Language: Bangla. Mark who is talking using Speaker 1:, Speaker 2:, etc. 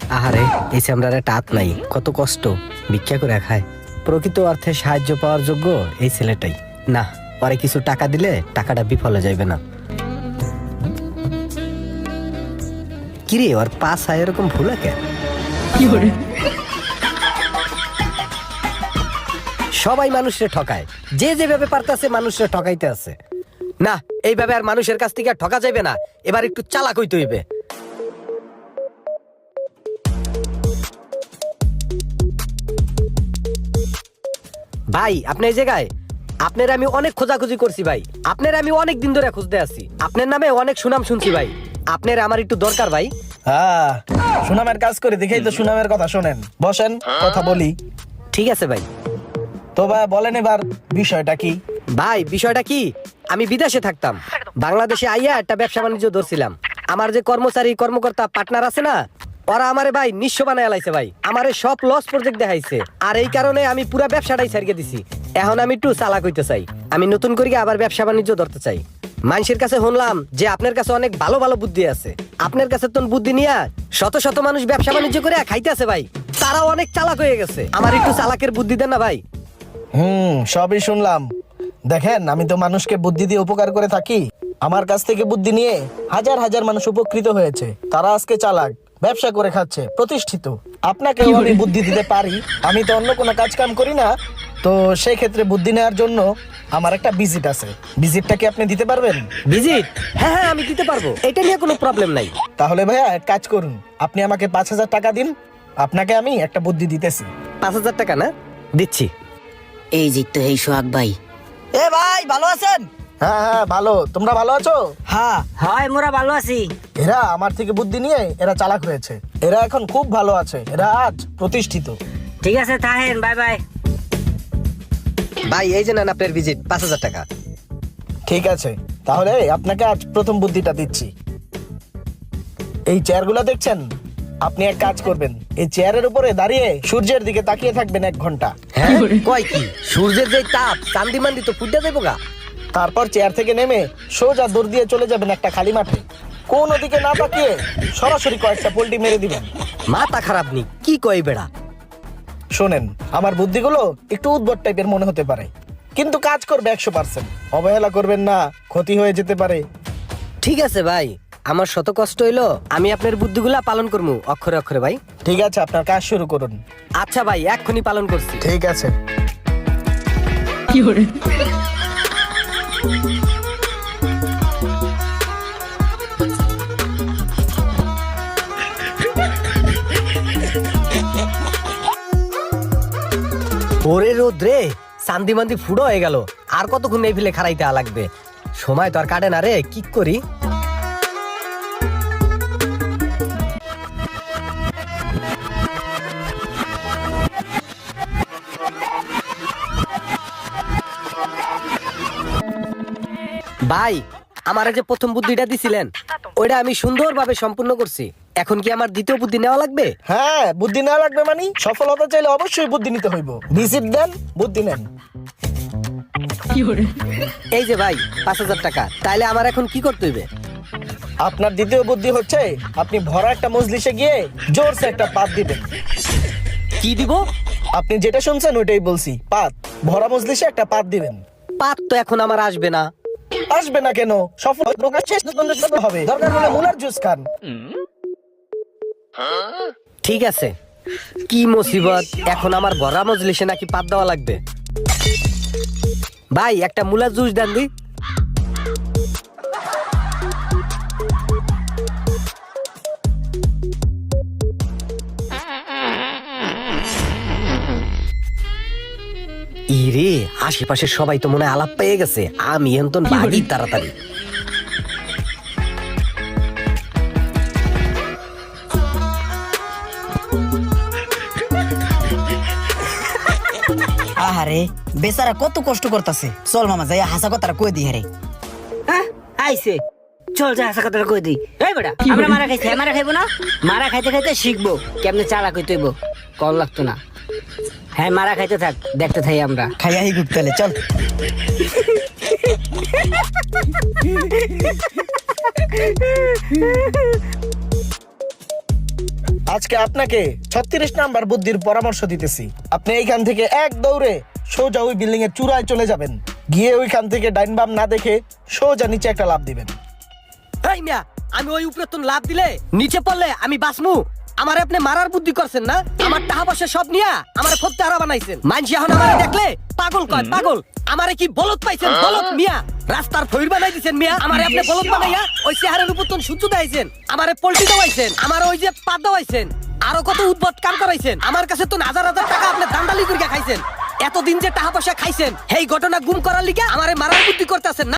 Speaker 1: আহারে, এই চামড়ার একটা হাত নাই, কত কষ্ট, ভিক্ষা করে খায়। প্রকৃত অর্থে সাহায্য পাওয়ার যোগ্য এই ছেলেটাই। না, পরে কিছু টাকা দিলে টাকাটা বিফলে যাইবে না। কিরে, ওর পাশ হয় এরকম ভুল কেন? সবাই মানুষের ঠকায়, যে যেভাবে পারতেছে মানুষের ঠকাইতে আছে। না, এইভাবে আর মানুষের কাছ থেকে আর ঠকা যাবে না, এবার একটু চালাক হইতে হইবে। ভাই, আপনি এই জায়গায়? আপনার আমি অনেক খোঁজাখুঁজি করছি ভাই, আপনার আমি অনেক দিন ধরে খুঁজতে আছি, আপনার নামে অনেক সুনাম শুনছি ভাই, আপনার আমার একটু দরকার ভাই।
Speaker 2: হ্যাঁ, সুনামের কাজ করে দেখেই তো সুনামের কথা শোনেন। বসেন, কথা বলি।
Speaker 1: ঠিক আছে ভাই।
Speaker 2: তো ভাই বলেন এবার বিষয়টা কি?
Speaker 1: ভাই, বিষয়টা কি, আমি বিদেশে থাকতাম, বাংলাদেশে আইয়া একটা ব্যবসা বাণিজ্য ধরছিলাম। আমার যে কর্মচারী কর্মকর্তা পার্টনার আছে না, ওরা আমারে ভাই নিঃস্ব বানায় লাইছে ভাই, আমারে সব লস প্রজেক্ট দেখাইছে। আর এই কারণে আমি পুরো ব্যবসাটাই ছাড়িয়ে দিছি। এখন আমি একটু চালাক হইতে চাই, আমি নতুন করে আবার ব্যবসা বাণিজ্য ধরতে চাই। মানুষের কাছে শুনলাম যে আপনার কাছে অনেক ভালো ভালো বুদ্ধি আছে, আপনার কাছে তো বুদ্ধি নিয়ে শত শত মানুষ ব্যবসা বাণিজ্য করে খাইতে আছে ভাই, তারাও অনেক চালাক হয়ে গেছে। আমার একটু চালাকের বুদ্ধি দেন না ভাই।
Speaker 2: সবই শুনলাম। দেখেন, আমি তো মানুষকে বুদ্ধি দিয়ে উপকার করে থাকি। আমার কাছ থেকে বুদ্ধি নিয়ে হাজার হাজার মানুষ উপকৃত হয়েছে, তারা আজকে চালাক, ব্যবসা করে খাচ্ছে, প্রতিষ্ঠিত। আপনাকেও আমি বুদ্ধি দিতে পারি, আমি তো অন্য কোনো কাজ কাম করি না। তো সেই ক্ষেত্রে বুদ্ধি নেওয়ার জন্য আমার একটা ভিজিট আছে, ভিজিটটা কি আপনি দিতে পারবেন?
Speaker 1: ভিজিট? হ্যাঁ হ্যাঁ, আমি দিতে পারবো, এটা নিয়ে কোনো প্রবলেম নাই।
Speaker 2: তাহলে ভাইয়া এক কাজ করুন, আপনি আমাকে 5,000 টাকা দিন, আপনাকে আমি একটা বুদ্ধি দিতেছি।
Speaker 1: 5,000 টাকা না? দিচ্ছি।
Speaker 3: এই যে তো এই সোহাগ ভাই। এ ভাই, ভালো আছেন?
Speaker 2: হ্যাঁ হ্যাঁ, ভালো। তোমরা ভালো আছো?
Speaker 3: হ্যাঁ হয়, মোরা ভালো আছি।
Speaker 2: এরা আমার থেকে বুদ্ধি নিয়ে এরা চালাক হয়েছে, এরা এখন খুব ভালো আছে, এরা আজ প্রতিষ্ঠিত।
Speaker 3: ঠিক আছে, থাকেন, বাই বাই।
Speaker 1: ভাই, এই যে নেন আপনার ভিজিট, 5,000 টাকা।
Speaker 2: ঠিক আছে, তাহলে আপনাকে আজ প্রথম বুদ্ধিটা দিচ্ছি। এই চেয়ারগুলো দেখছেন, আপনি এক কাজ করবেন, এই চেয়ারের উপরে দাঁড়িয়ে সূর্যের দিকে তাকিয়ে থাকবেন 1 ঘন্টা।
Speaker 1: হ্যাঁ, কয় কি, সূর্যের যে তাপ, চান্দি মান্দি তো ফুটে যাবো গা।
Speaker 2: তারপর চেয়ার থেকে নেমে সোজা দৌড় দিয়ে চলে যাবেন একটা খালি মাঠে, কোন দিকে না তাকিয়ে সরাসরি কয়েকটা পোল্টি মেরে দিবেন।
Speaker 1: মাথা খারাপ নি, কি কই বেড়া।
Speaker 2: শোনেন, আমার বুদ্ধিগুলো একটু উদ্ভট টাইপের মনে হতে পারে, কিন্তু কাজ করবে 100%। অবহেলা করবেন না, ক্ষতি হয়ে যেতে পারে।
Speaker 1: ঠিক আছে ভাই, আমার শত কষ্ট হইলো, আমি আপনার বুদ্ধিগুলা পালন করবো অক্ষরে অক্ষরে ভাই।
Speaker 2: ঠিক আছে, আপনার কাজ শুরু করুন।
Speaker 1: আচ্ছা ভাই, এক্ষুনি পালন করছি।
Speaker 2: ঠিক আছে।
Speaker 1: ওরে রোদ্রে, চান্দি মান্দি ফুড়ো হয়ে গেল, আর কতক্ষণ এই ফেলে খারাইতে লাগবে, সময় তো আর কাটে না রে, কি করি। ভাই, আমার যে প্রথম বুদ্ধিটা দিছিলেন, ওইটা আমি সুন্দরভাবে সম্পূর্ণ করছি, এখন কি আমার দ্বিতীয় বুদ্ধি নেওয়া লাগবে?
Speaker 2: হ্যাঁ, বুদ্ধি নেওয়া লাগবে, মানে সফল হতে চাইলে অবশ্যই বুদ্ধি নিতে হইব। ভিজিট দেন, বুদ্ধি নেন।
Speaker 1: এই যে ভাই, 5,000 টাকা, তাইলে আমার এখন কি করতে হইবে?
Speaker 2: আপনার দ্বিতীয় বুদ্ধি হচ্ছে, আপনি ভরা একটা মজলিসে গিয়ে জোরসে একটা পাত দিবেন।
Speaker 1: কি দিব?
Speaker 2: আপনি যেটা শুনছেন ওইটাই বলছি, পাত। ভরা মজলিসে একটা পাত দিবেন।
Speaker 1: পাত তো এখন আমার আসবে না।
Speaker 2: আসবে না কেন? সফল প্রকাশ শেষ পর্যন্ত হবে, দরকার হলে মুলার জুস খান।
Speaker 1: ঠিক আছে, কি মুসিবত, এখন আমার ভরা মজলিসে নাকি পাত দেওয়া লাগবে। ভাই, একটা মুলা জুস দেন দি। ইরে, আশেপাশে সবাই তো মনে হয় আলাপ পেয়ে গেছে, আমি এখন বাগি তাড়াতাড়ি।
Speaker 3: আহারে, বেচারা কত কষ্ট করতেছে। চল মামা, যাই হাসা কথাটা কই দি। হারে আইছে, চল যা হাসা কথাটা কই দি। এই বেটা, আমরা মারা খাইছি, মারা খাইবো না? মারা খাইতে খাইতে শিখবো কেমনে চালাক হইতে হইব, কল লাগতো না। হ্যাঁ, মারা খাইতে থাক, দেখতে থাই আমরা। খাইয়াই গুপ্তালে, চল।
Speaker 2: আজকে আপনাকে 36 নাম্বার বুদ্ধির পরামর্শ দিতেছি। আপনি এইখান থেকে এক দৌড়ে সোজা ওই বিল্ডিং এর চূড়ায় চলে যাবেন, গিয়ে ওইখান থেকে ডাইন বাম না দেখে সোজা নিচে একটা লাফ দিবেন।
Speaker 1: এই মিয়া, আমি ওই উপরে তো লাভ দিলে নিচে পড়লে আমি বাসমু? আমার আপনি মারার বুদ্ধি করছেন না? আমার টাকা পয়সা সব নিয়া আমার ফত্তে হারা বানাইছেন। মানসি এখন আমারে দেখলে পাগল কয় পাগল। আমারে কি বলদ পাইছেন? বলদ মিয়া, রাস্তার ফইর বানাই দিছেন মিয়া। আমারে আপনি বলদ বানাইয়া ওই চেহারের উপর তো সূর্য দাইছেন, আমারে পল্টি দাওয়াইছেন, আমার ওই যে পাত দাওয়াইছেন, আরো কত উদ্ভট কাম করাইছেন। আমার কাছে তো হাজার হাজার টাকা আপনি দান্দালি করে খাইছেন। এতদিন যে টাকা পয়সা খাইছেন, এই ঘটনা গুম করার লিগে আমারে মারার বুদ্ধি করতেছেন না?